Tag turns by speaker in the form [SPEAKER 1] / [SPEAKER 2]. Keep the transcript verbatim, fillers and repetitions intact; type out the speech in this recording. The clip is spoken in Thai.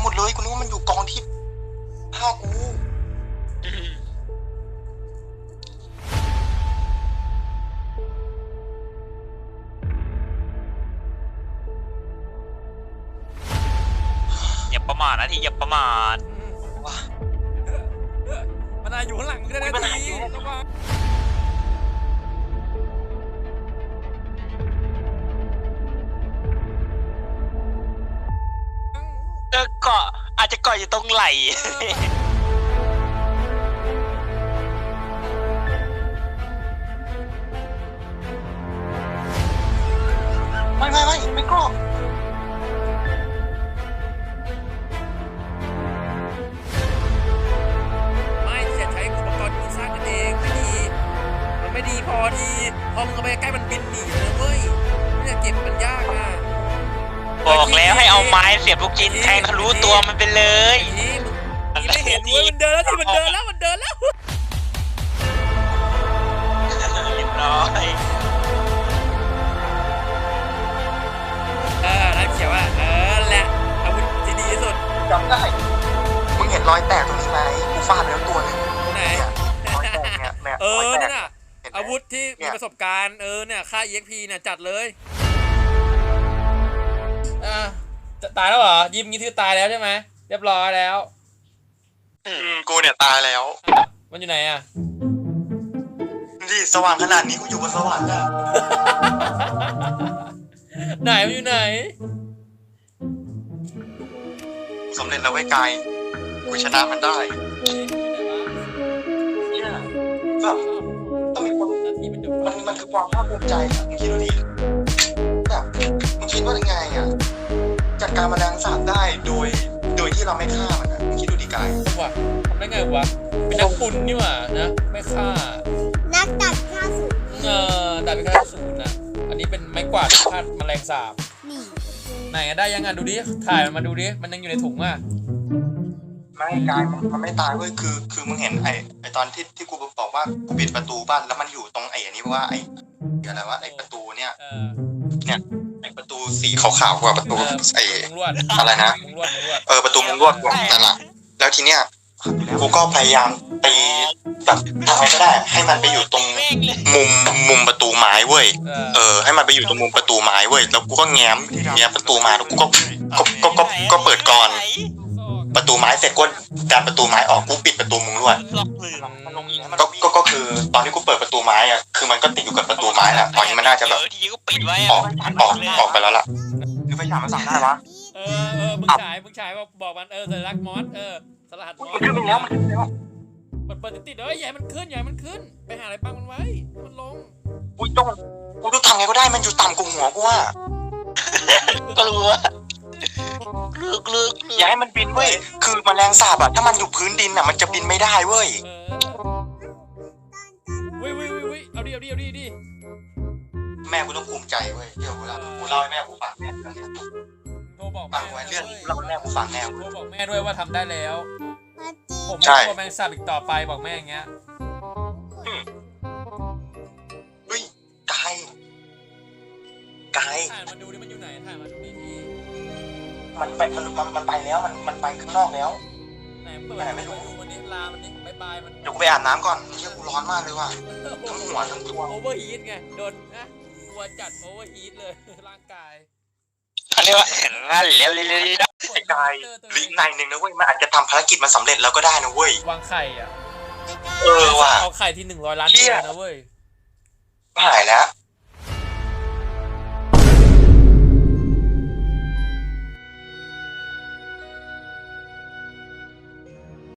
[SPEAKER 1] หมดเลยกูนึกว่ามันอยู่กองที่ผ้ากู
[SPEAKER 2] อย่าประมาทนะทีอย่าประมาท
[SPEAKER 3] ว้ามันอาอยู่ข้างหลังมึงได้นาทีระวัง
[SPEAKER 2] เออเกาะอาจจะเกาะอยู่ตรงไหล่
[SPEAKER 1] ไม่ไม่ไม่ไม่กรอบ
[SPEAKER 3] ไม่จะใช้อุปกรณ์ที่มึงสร้างกันเองไม่ดีมันไม่ดีพอดีพอมึงเอาไปใกล้มันบินหนีเลยเว้ยไม่จะเก็บมันยากนะ
[SPEAKER 2] บอกแล้วให้เอาไม้เสียบลูกชิ้นแทงทะลุตัวมันไปเลย
[SPEAKER 3] ทีมึงไม่เห็นเว้ยมันเดินแล้วที่มันเดินแล้วมันเดินแล้ว
[SPEAKER 2] เรียบร้อย
[SPEAKER 3] เออนั่นเขียวอ่ะเออแหละอาวุธที่ดีที่สุด
[SPEAKER 1] จำได้มึงเห็นรอยแตกตรงนี้ไหมกูฟาดไปแล้วตัวหนึ่ง
[SPEAKER 3] ไหน
[SPEAKER 1] รอยแตกเนี่ยแม่
[SPEAKER 3] เออนั่นน่ะอาวุธที่มีประสบการณ์เออเนี่ยค่า อี เอ็กซ์ พี เนี่ยจัดเลยอ่ะตายแล้วเหรอยิ้มงี้คือตายแล้วใช่ไหมเรียบร้อยแล้ว
[SPEAKER 1] อืมกูเนี่ยตายแล้ว
[SPEAKER 3] มันอยู่ไหนอ่ะ
[SPEAKER 1] นี่สว่างขนาดนี้กูอยู่บนสวรรค์อะ
[SPEAKER 3] ไหนมันอยู่ไหน
[SPEAKER 1] สำเร็จแล้วไว้กายกูชนะมันได้เนี่ยแบบต้องมีคนมันมันคือความภาคภูมิใจอะมึงคิดดูดิแบบมึงคิดว่ายังไงอ่ะจัดการแมลงสาบได้โดยโดยที่เราไม่ฆ่ามันอ่ะมึงคิดดูดิกาย
[SPEAKER 3] ว่ะทำได้ไงวะเป็นนักบุญนี่หว่านะไม่ฆ่า
[SPEAKER 4] นักดัดฆ่าสูง
[SPEAKER 3] เออดัดไปฆ่าสูงนะอันนี้เป็นไม้กวาดฆ่าแมลงสาบ
[SPEAKER 4] นี่
[SPEAKER 3] ไหนได้ยังไงดูดิถ่ายมันมาดูดิมันยังอยู่ในถุงอ่ะ
[SPEAKER 1] ไม่กายมันไม่ตายเว้ยคือคือมึงเห็นไอ้ไอ้ตอนที่ที่กูบอกว่ากูปิดประตูบ้านแล้วมันอยู่ตรงไอ้อันนี้ว่าไอ้อะไรวะไอ้ประตูเนี่ยเนี่ยไอ้ประตูสีขาวๆกว่าประตูไอ้อะไรนะเออประตูมุงลวดกว่านั่นแหละแล้วทีเนี้ยกูก็พยายามตีแบบทำไงก็ได้ให้มันไปอยู่ตรงมุมมุมประตูไม้เว้ยเออให้มันไปอยู่ตรงมุมประตูไม้เว้ยแล้วกูก็แง้มแง้มประตูมาแล้วกูก็ก็ก็ก็ก็เปิดก่อนประตูไม้เสร็จก็การประตูไม้ออกกูปิดประตูมุงลวดก็ก็ก็คือตอนที่กูเปิดประตูไม้อ่ะคือมันก็ติดอยู่กับประตูไม้แหละตอนนี้มันน่าจะแบบออกออกออกไปแล้วล่ะคือไฟฉายมันสั่งได้วะ
[SPEAKER 3] เออเออมึงฉายมึงฉายบอกบอกมันเออสัญลักษณ์มอสเออสลัดมอส
[SPEAKER 1] มันขึ้นไปแล้วมันขึ้นไปแล้ว
[SPEAKER 3] เปิดเปิดติดๆเอ้ยใหญ่มันขึ้นใหญ่มันขึ้นไปหาอะไรปังมันไว้มันลง
[SPEAKER 1] อุ้ยต้องกูต้องทำไงก็ได้มันอยู่ต่ำกว่าหัวกูว่า
[SPEAKER 2] ก็รู้ว่าลึกลึก
[SPEAKER 1] อย่าให้มันบินเว้ยคือแมลงสาบอะถ้ามันอยู่พื้นดินอะมันจะบินไม่ได้เว้ย
[SPEAKER 3] วิวิวิวิเอาดิเอาดิเอาดิดิ
[SPEAKER 1] แม่กูต้องภูมิใจเว้ยเดี๋ยวกูเล่ากูเล่าให้แม่กูฟังแม่
[SPEAKER 3] โทรบอก
[SPEAKER 1] ฟังไว้เรื่องเล่าให้แม่กูฟังแน่
[SPEAKER 3] โทรบอกแม่ด้วยว่าทำได้แล้วผมไม่กลัวแมงสาบอีกต่อไปบอกแม่อย่างเงี้ย
[SPEAKER 1] เฮ้ยกายกาย
[SPEAKER 3] ถ่ายมาดูดิมันอยู่ไหนถ่ายมาดูดิที
[SPEAKER 1] มันไปมันมันไปแล้วมันมันไปข้างนอกแล้ว
[SPEAKER 3] ไหนเปิดไม่รู้วันนี้ลามันนี่บายบายมัน
[SPEAKER 1] เดี๋ยวกูไปอาบน้ำก่อนเชี่ยกูร้อนมากเลยว่ะทั้งหัวทั้งตัว
[SPEAKER 3] โอเวอร์ฮีทไงโดนนะกลัวจัดโอเวอร์ฮีทเลยร่างกาย
[SPEAKER 2] เขาเรียกว่านั่นเลี้ยวเลี้ยวเลี้ยว
[SPEAKER 1] ไอ้กายลิงในหนึ่งนะเว้ยมันอาจจะทำภารกิจมันสำเร็จแล้วก็ได้นะเว้ยว
[SPEAKER 3] างไข่อ่ะ
[SPEAKER 1] เออว่ะ
[SPEAKER 3] เอาไข่ที่หนึ่งร้อยล้านตัวนะเว้ย
[SPEAKER 1] หายแล้ว